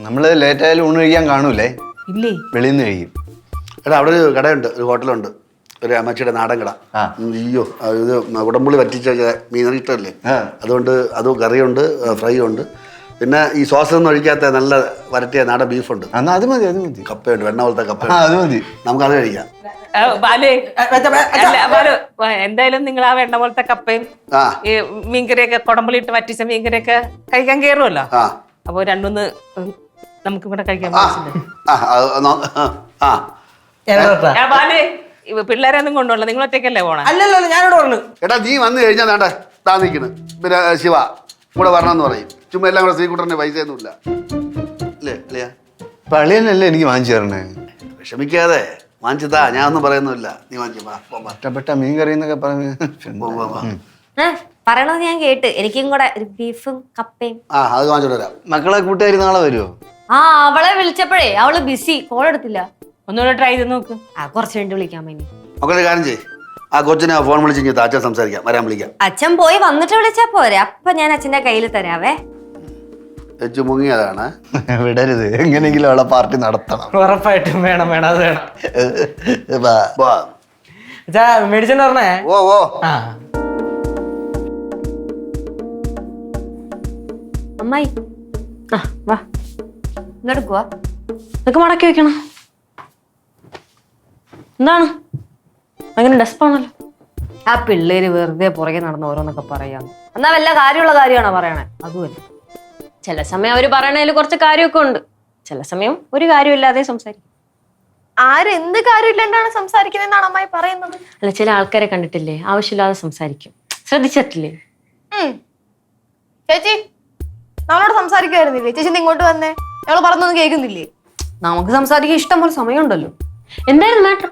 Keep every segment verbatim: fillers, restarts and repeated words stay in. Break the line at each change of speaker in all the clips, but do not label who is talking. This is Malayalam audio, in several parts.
നമ്മള് ലേറ്റ് ആയാലും ഊണ് കഴിക്കാൻ കാണൂലേ?
ഇല്ലേ,
വെളിയിൽ നിന്ന് കഴിക്കും.
എടാ അവിടെ ഒരു കടയുണ്ട്, ഒരു ഹോട്ടലുണ്ട്, ഒരു അമ്മച്ചിയുടെ നാടൻ കട. അയ്യോ ഇത് ഉടമ്പുള്ളി വറ്റിച്ച മീൻ ഇഷ്ടമല്ലേ, അതുകൊണ്ട് അത് കറിയുണ്ട്, ഫ്രൈ ഉണ്ട്, പിന്നെ ഈ സോസൊന്നും ഒഴിക്കാത്ത നല്ല വരട്ടിയ നാടൻ ബീഫുണ്ട്.
എന്നാ അത് മതി, അത് മതി.
കപ്പയുണ്ട്, വെണ്ണ പോലത്തെ കപ്പ,
അത് മതി,
നമുക്കത് കഴിക്കാം.
എന്തായാലും നിങ്ങൾ ആ വെണ്ണ പോലത്തെ കപ്പയും ഈ മീൻകറിയൊക്കെ കുടമ്പളിയിട്ട് വറ്റിച്ച മീൻകറിയൊക്കെ കഴിക്കാൻ കയറുമല്ലോ. അപ്പൊ രണ്ടൊന്ന് നമുക്ക് ഇവിടെ കഴിക്കാൻ പിള്ളേരൊന്നും കൊണ്ടുപോകണം, നിങ്ങൾ ഒറ്റയ്ക്കല്ലേ പോണേ?
അല്ലല്ലോ, ഞാനോട് പറഞ്ഞു.
എടാ നീ വന്നു കഴിഞ്ഞാൽ വേണ്ട താ നിൽക്കണ്, പിന്നെ ശിവ കൂടെ വരണമെന്ന് പറയും. ചുമ്മാ എല്ലാം കൂടെ ശ്രീകുട്ടറിന് പൈസ ഒന്നുമില്ല അല്ലേ അല്ലയാ?
പള്ളിയല്ലേ എനിക്ക് വാങ്ങിച്ചു തരണേ.
വിഷമിക്കാതെ വാങ്ങിച്ചതാ, ഞാൻ ഒന്നും പറയുന്നില്ല. നീ വാങ്ങിച്ചു
ഇഷ്ടപ്പെട്ട മീൻ കറി എന്നൊക്കെ പറഞ്ഞു
പറയണത് ഞാൻ കേട്ട്. എനിക്കും കൂടെ ഒരു ബീഫും കപ്പയും.
ആ അത് വാങ്ങിച്ചോണ്ട് വരാം.
മക്കളെ കൂട്ടുകാരി നാളെ വരുമോ?
ആ അവളെ വിളിച്ചപ്പോഴേ അവള് ബിസി, കോൾ എടുത്തില്ല.
ഒന്നുകൂടെ ട്രൈ ചെയ്ത് നോക്ക്.
ആ കുറച്ച് വേണ്ടി വിളിക്കാൻ വേണ്ടി.
മക്കളെ കാര്യം ചെയ്യ്, ആ കൊച്ചിനെ ഫോൺ വിളിച്ച് അച്ഛൻ സംസാരിക്കാം, വരാൻ വിളിക്കാം.
അച്ഛൻ പോയി വന്നിട്ട് വിളിച്ചാ പോരെ, അപ്പൊ ഞാൻ അച്ഛന്റെ കയ്യിൽ തരാവേ.
വെച്ചു മുങ്ങിയതാണ്.
വിടരുത്, എങ്ങനെയെങ്കിലും അവളെ പാർട്ടി നടത്തണം.
ഉറപ്പായിട്ടും വേണം, വേണം, അത് വേണം. അച്ഛാ മെഡിസിൻ പറഞ്ഞേ.
ഓ ഓ
ആ
അമ്മായി ആ വാ, ഇങ്ങോട്ട് ഇതൊക്കെ മടക്കി വെക്കണം. എന്താണ് അങ്ങനെ ഡെസ്പാണല്ലോ? ആ പിള്ളേര് വെറുതെ പുറകെ നടന്ന് ഓരോന്നൊക്കെ പറയാന്ന്. എന്നാ വല്ല കാര്യമുള്ള കാര്യമാണോ പറയണേ? അതുമല്ല, ചില സമയം അവര് പറയണതിൽ കുറച്ച് കാര്യമൊക്കെ ഉണ്ട്, ചില സമയം ഒരു കാര്യമില്ലാതെ സംസാരിക്കും.
ആരെന്ത് കാര്യമില്ലാണ്ടാണ് സംസാരിക്കുന്നതെന്നാണ് അമ്മായി പറയുന്നത്?
അല്ല, ചില ആൾക്കാരെ കണ്ടിട്ടില്ലേ ആവശ്യമില്ലാതെ സംസാരിക്കും, ശ്രദ്ധിച്ചിട്ടില്ലേ?
ചേച്ചി നമ്മളോട് സംസാരിക്കുമായിരുന്നില്ലേ? ചേച്ചി ഇങ്ങോട്ട് വന്നേ, ഞങ്ങള് പറഞ്ഞൊന്നും കേൾക്കുന്നില്ലേ?
നമുക്ക് സംസാരിക്കാൻ ഇഷ്ടം പോലെ സമയമുണ്ടല്ലോ. എന്തായിരുന്നു മാറ്റർ?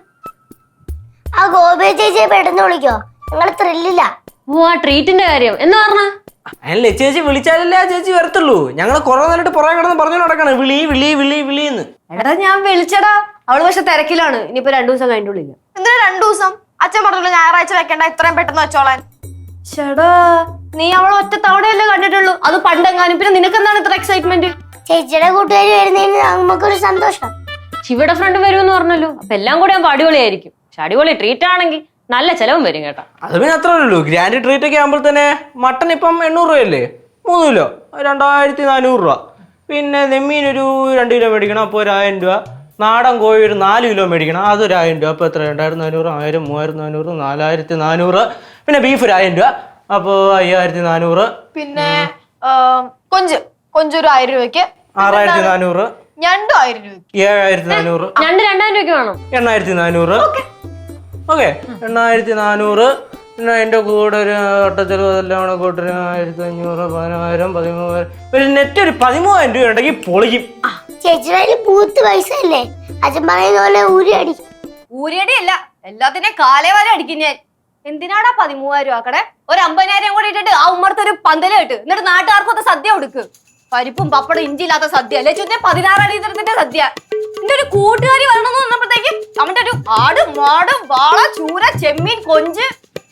ആ ഗോപി ചേച്ചിയെ പെട്ടെന്ന് വിളിക്കോ, ഞങ്ങള് ത്രില്ലില്ല.
ഓ ആ ട്രീറ്റിന്റെ കാര്യം എന്ന് പറഞ്ഞ
അല്ലേ, ചേച്ചി വിളിച്ചാലല്ലേ ആ ചേച്ചി വരത്തുള്ളൂ. ഞങ്ങള് കുറെ നേരിട്ട് പുറകെ കിടന്ന് പറഞ്ഞു നടക്കണം, വിളി വിളി വിളി വിളിന്ന്.
എടാ ഞാൻ വിളിച്ചടാ, അവള് പക്ഷെ തിരക്കിലാണ്. ഇനിയിപ്പോ രണ്ടു ദിവസം കഴിഞ്ഞിട്ട് വിളിക്കാം.
എന്തിനാ രണ്ടു ദിവസം? അച്ഛൻ പറഞ്ഞല്ലോ ഞായറാഴ്ച വെക്കണ്ട, ഇത്രയും പെട്ടെന്ന് വെച്ചോളാൻ.
ചേടാ നീ അവളെ ഒറ്റ തവണയല്ലേ കണ്ടിട്ടുള്ളൂ, അത് പണ്ടെങ്ങാനും. പിന്നെ നിനക്കെന്താണ് ഇത്ര എക്സൈറ്റ്മെന്റ്?
ചേച്ചിയുടെ കൂട്ടുകാരി വരുന്നതിന് നമുക്കൊരു സന്തോഷം.
ശിവയുടെ ഫ്രണ്ട് വരുമെന്ന് പറഞ്ഞല്ലോ, അപ്പൊ എല്ലാം കൂടെ ആകുമ്പോ അടിപൊളിയായിരിക്കും. പക്ഷെ അടിപൊളി ട്രീറ്റ് ആണെങ്കിൽ നല്ല ചെലവും വരും കേട്ടോ.
അത് പിന്നെ അത്രേ ഉള്ളൂ. ഗ്രാൻഡ് ട്രീറ്റ് ഒക്കെ ആകുമ്പോൾ തന്നെ മട്ടൺ ഇപ്പം എണ്ണൂറ് രൂപയല്ലേ, മൂന്ന് കിലോ രണ്ടായിരത്തി നാനൂറ് രൂപ. പിന്നെ നെമ്മീൻ ഒരു രണ്ട് കിലോ മേടിക്കണം, അപ്പോൾ ഒരു ആയിരം രൂപ. നാടൻ കോഴി ഒരു നാല് കിലോ മേടിക്കണം, അതൊരു ആയിരം രൂപ. അപ്പോൾ എത്ര? രണ്ടായിരത്തി നാനൂറ്, ആയിരം, മൂവായിരത്തി നാനൂറ്, നാലായിരത്തി നാനൂറ്. പിന്നെ ബീഫ് ഒരു ആയിരം രൂപ, അപ്പോൾ അയ്യായിരത്തി നാനൂറ്.
പിന്നെ കൊഞ്ച് കൊഞ്ചൊരു ആയിരം രൂപയ്ക്ക്,
ആറായിരത്തി നാനൂറ്.
ഞണ്ടും ആയിരം രൂപ,
ഏഴായിരത്തി നാനൂറ്.
രണ്ട് രണ്ടായിരം രൂപയ്ക്ക് വേണം.
എണ്ണായിരത്തി നാനൂറ്. ഓക്കെ, എണ്ണായിരത്തി നാനൂറ്. പിന്നെ അതിന്റെ കൂടെ ഒരു ഒട്ടച്ചെലവ് അതെല്ലാം കൂടെ കൂട്ടൊരു ആയിരത്തി അഞ്ഞൂറ്, പതിനായിരം, പതിമൂവായിരം. ഒരു നെറ്റ് ഒരു പതിമൂവായിരം രൂപ ഉണ്ടെങ്കിൽ പൊളിക്കും.
ചേച്ചിയുടെ പൂത്ത് പൈസ അല്ലേ, അച്ഛൻ പറയുന്ന പോലെ ഊരി അടിക്കും.
ഊരിയടി അല്ല, എല്ലാത്തിനെ കാലേ വരെ അടിക്കും ഞാൻ. എന്തിനാടാ പതിമൂവായിരം ആക്കടെ? ഒരു അമ്പതിനായിരം കൂടി ഇട്ടിട്ട് ആ ഉമ്മർത്ത് ഒരു പന്തല് കിട്ട്, എന്നിട്ട് നാട്ടുകാർക്കൊക്കെ സദ്യ കൊടുക്ക്. പരിപ്പും പപ്പടം ഇഞ്ചി ഇല്ലാത്ത സദ്യ അല്ലെ, ചുറ്റേ പതിനാറാം തീയതി സദ്യ. എന്റെ ഒരു കൂട്ടുകാരി വരണമെന്ന് പറഞ്ഞപ്പോഴത്തേക്ക് അവന്റെ ഒരു ആട്, മാട്, വാള, ചൂര, ചെമ്മീൻ, കൊഞ്ച്.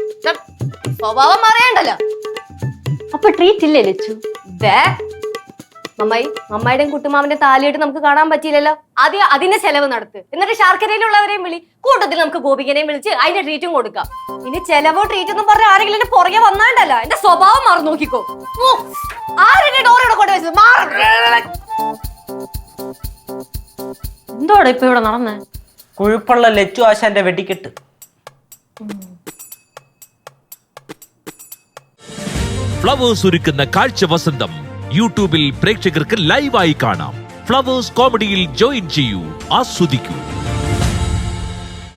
സ്വഭാവം അറിയണ്ടല്ലോ. അപ്പൊ ട്രീറ്റ് ഇല്ലേ ലച്ചു? മമ്മായി മമ്മായിടെയും കുട്ടുമാവിന്റെ താലിയായിട്ട് നമുക്ക് കാണാൻ പറ്റിയില്ലല്ലോ. ആദ്യം അതിന്റെ ചെലവ് നടത്ത്, എന്നിട്ട് ശാർക്കരയിലുള്ളവരെയും വിളി, കൂട്ടത്തിൽ നമുക്ക് ഗോപികനെയും വിളിച്ച് അതിന്റെ ട്രീറ്റും കൊടുക്കാം. ഇനി ചെലവോ ട്രീറ്റ് എന്നും പറഞ്ഞ ആരെങ്കിലും എന്റെ പുറകെ വന്നാണ്ടല്ല, എന്റെ സ്വഭാവം മറന്നു നോക്കിക്കോ. ആരുടെ ഡോറോടെ കൊണ്ട് വെച്ചത് എന്തോടെ ഇപ്പൊ ഇവിടെ നടന്നേ?
കുഴിപ്പുള്ള ലച്ചു ആശാന്റെ വെടിക്കെട്ട്.
ഫ്ലവേഴ്സ് ഒരുക്കുന്ന കാഴ്ച വസന്തം യൂട്യൂബിൽ പ്രേക്ഷകർക്ക് ലൈവായി കാണാം. ഫ്ലവേഴ്സ് കോമഡിയിൽ ജോയിൻ ചെയ്യൂ, ആസ്വദിക്കൂ.